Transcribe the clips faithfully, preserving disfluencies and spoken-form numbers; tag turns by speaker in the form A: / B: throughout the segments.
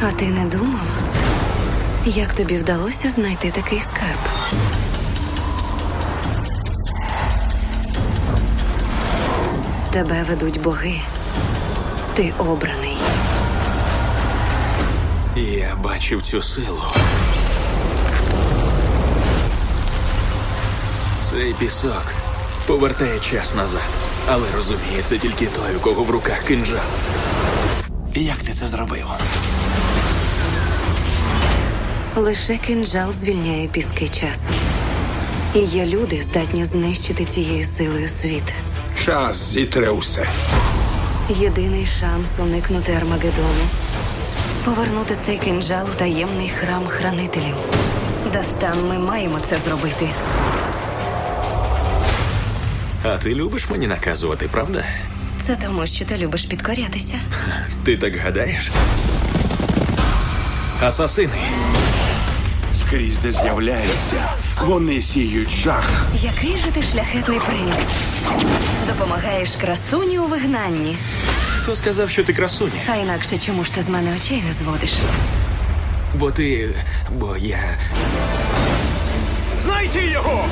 A: А ти не думав, як тобі вдалося знайти такий скарб? Тебе ведуть боги. Ти обраний.
B: Я бачив цю силу. Цей пісок повертає час назад. Але розуміє, це тільки той, у кого в руках кинджал.
C: Як ти це зробив?
A: Лише кинджал звільняє піски часу. І є люди, здатні знищити цією силою світ.
D: Час зітре усе.
A: Єдиний шанс уникнути Армагеддону – повернути цей кинджал у таємний храм хранителів. Дастан, ми маємо це зробити.
B: А ти любиш мені наказувати, правда?
A: Це тому, що ти любиш підкорятися.
B: Ти так гадаєш? Асасини.
D: Скрізь, де з'являються, вони сіють жах.
A: Який же ти шляхетний принц? Допомагаєш красуні у вигнанні.
B: Хто сказав, що ти красуня?
A: А інакше чому ж ти з мене очей не зводиш?
B: Бо ти... бо я...
D: Знайти його!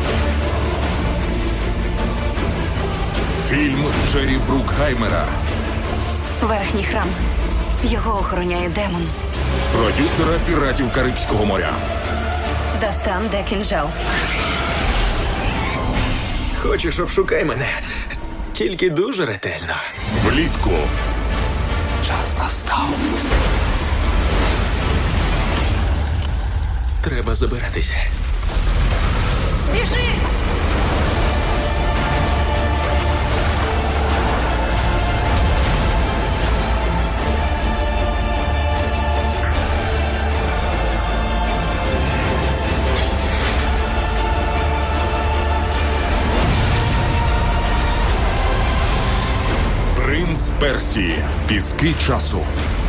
E: Фільм Джері Брукхаймера.
A: Верхній храм. Його охороняє демон.
E: Продюсера «Піратів Карибського моря».
A: Дастан, де кинджал?
B: Хочеш, обшукай мене. Тільки дуже ретельно.
E: Влітку.
C: Час настав.
B: Треба забиратися.
A: Біжи!
E: Принц Персії. Піски часу.